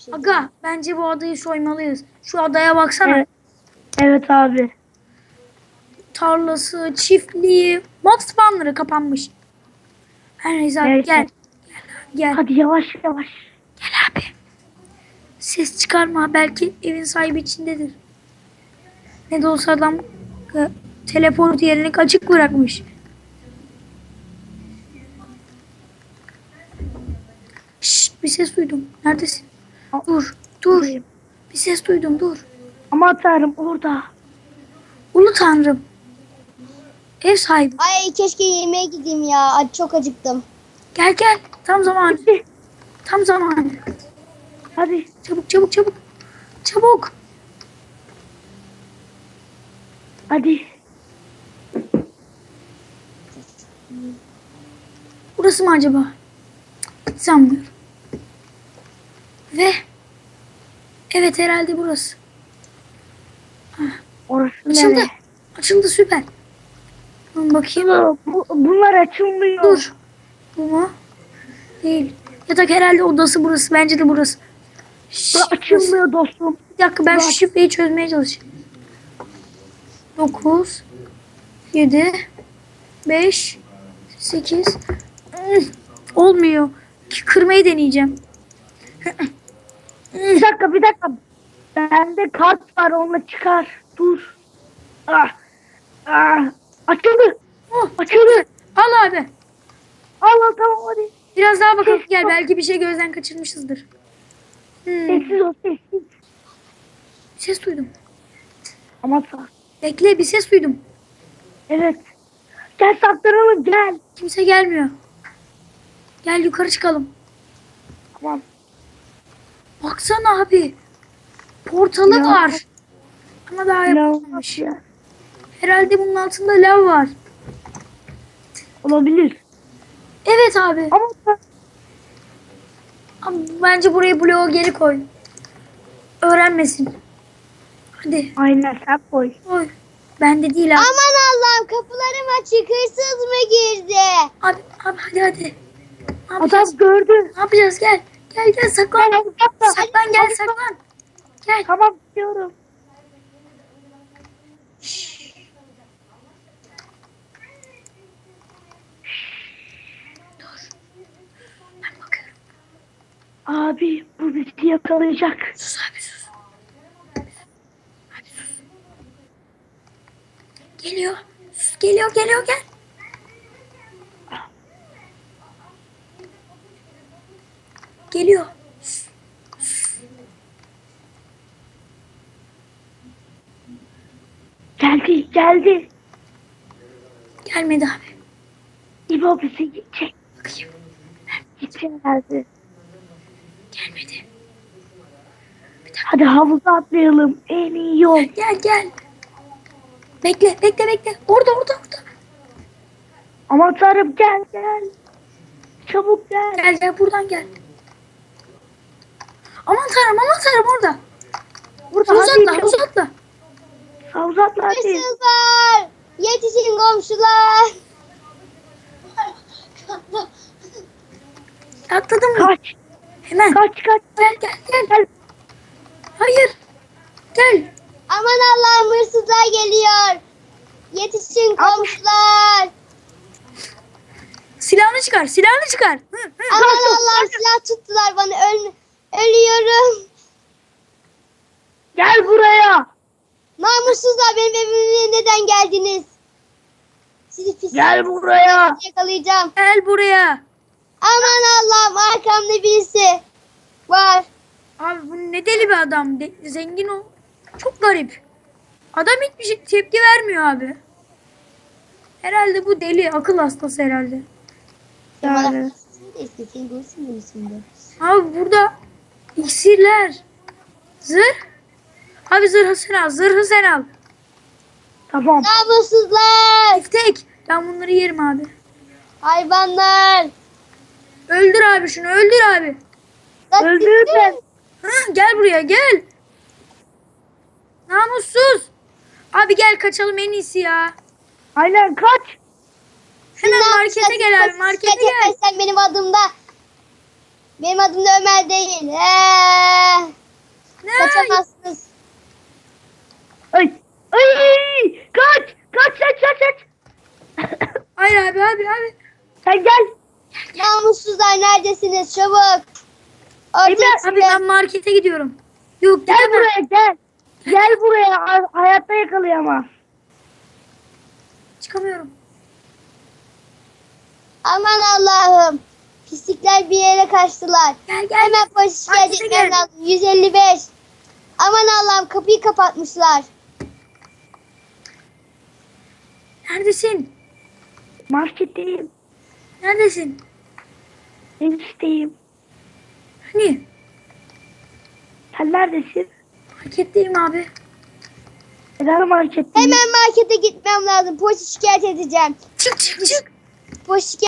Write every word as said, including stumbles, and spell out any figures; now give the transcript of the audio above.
şey Aga diyeyim. bence bu adayı soymalıyız. Şu adaya baksana. Evet. Evet abi. Tarlası, çiftliği, mob spawnları kapanmış. Her neyse abi Neyse. gel. Gel. Hadi yavaş yavaş. Gel abi. Ses çıkarma. Belki evin sahibi içindedir. Ne de olsa adam e, teleport yerini açık bırakmış. Şşt, bir ses duydum. Neredesin? Dur. Dur. Buradayım. Bir ses duydum. Dur. Aman tanrım orada. Ulu tanrım. Ev sahibi. Ay keşke yemeğe gideyim ya. Ay, çok acıktım. Gel gel. Tam zamanı. Hadi. Tam zamanı. Hadi. Çabuk çabuk çabuk. Çabuk. Hadi. Burası mı acaba? Cık, sanmıyorum. Ve evet herhalde burası. Orası Açıldı. nere? Açıldı süper. Dur bakayım. Bu, bunlar açılmıyor. Dur. Bu mu? Değil. Yatak herhalde odası burası. Bence de burası. Şşş, Bu açılmıyor dostum. Bir dakika ben Bu şu aç- şifreyi çözmeye çalışayım. dokuz yedi beş sekiz Olmuyor. Kırmayı deneyeceğim. Bir dakika bir dakika. Bende kart var onunla çıkar. Dur. Ah. Ah. Açıldı. Oh, Açıldı. al abi. Al al tamam hadi. Biraz daha bakalım. Gel belki bir şey gözden kaçırmışızdır. Hmm, Sessiz ol sessiz. bir ses duydum. Aman sağ. Bekle bir ses duydum. Evet. Gel saklanalım gel. Kimse gelmiyor. Gel yukarı çıkalım. Tamam. Baksana abi. Portalı Ya. var. Ama daha Ne yapılmamış. ya? Herhalde bunun altında lav var. Olabilir. Evet abi. Ama sen- Ama bence buraya bloğu geri koy. Öğrenmesin. Hadi. aynen sen koy. Koy. Bende değil abi. Aman Allah'ım kapılarım açık. Hırsız mı girdi? Abi, abi hadi hadi. Ne Adam yapacağız? gördü. Ne yapacağız? Gel. Gel gel saklan. Gel, uzakta. Saklan gel Hadi, saklan. Gel. Tamam diyorum. Dur. Ben bakıyorum. Abi bu bizi yakalayacak. Sus abi sus. Abi sus. Geliyor. Sus, geliyor geliyor gel. Geliyor. Sus. Geldi geldi. Gelmedi abi. İbo bizi yiyecek. Bakayım. Gitti herhalde. Gelmedi. Hadi havuza atlayalım. En iyi yol. Gel gel. Bekle bekle bekle. Orada orada orada. Aman tanrım gel gel. Çabuk gel. Gel gel buradan gel. Aman tanrım aman tanrım orada. Burada Hadi, havuza atla çabuk. havuza atla. Havuza atla hadi. Hırsızlar. Yetişin komşular. Atladın mı? Kaç. Hemen. Kaç kaç. Gel gel gel. Gel. Hayır. Gel. Aman Allah'ım hırsızlar geliyor. Yetişin komşular. Silahını çıkar silahını çıkar. Hı, hı. Aman Allah'ım silah tuttular bana. Öl ölüyorum. Gel buraya. Namussuzlar benim evime neden geldiniz? Sizi pis Gel buraya. yakalayacağım. Gel buraya. Aman Allah'ım arkamda birisi var. Abi bu ne deli bir adam. De- zengin o. Çok garip. Adam hiçbir şey tepki vermiyor abi. Herhalde bu deli. Akıl hastası herhalde. Yani. İstediğin görsün beni şimdi. Abi burada iksirler. Zırh. Abi zırhı sen al. Zırhı sen al. Tamam. Namussuzlar. Tek tek. Ben bunları yerim abi. Hayvanlar. Öldür abi şunu. Öldür abi. Lan Öldür gittin. ben. Hı, gel buraya gel. Namussuz. Abi gel kaçalım en iyisi ya. Aynen kaç. Hemen Silah, markete silah, gel abi. silah, Markete silah gel. çekmezsen benim adımda. Benim adım da Ömer değil. Ee, Kaçamazsınız. Ay. Ay. Kaç. Kaç kaç kaç kaç. Hayır abi abi abi. Sen gel. Namussuzlar neredesiniz? Çabuk. Ortaya Emre, Abi çıkın. ben markete gidiyorum. Yok Gel gidemem. buraya gel. Gel buraya. Ha- Hayatta yakalayamaz. Çıkamıyorum. Aman Allah'ım. Pislikler bir yere kaçtılar. Gel gel. Hemen polis şikayet Markete etmem gel. lazım. yüz elli beş. Aman Allah'ım kapıyı kapatmışlar. Neredesin? Marketteyim. Neredesin? Enişteyim. Hani? Sen neredesin? Marketteyim abi. Neden marketteyim? Hemen markete gitmem lazım. Polis şikayet edeceğim. Çık çık çık. Polis şikayet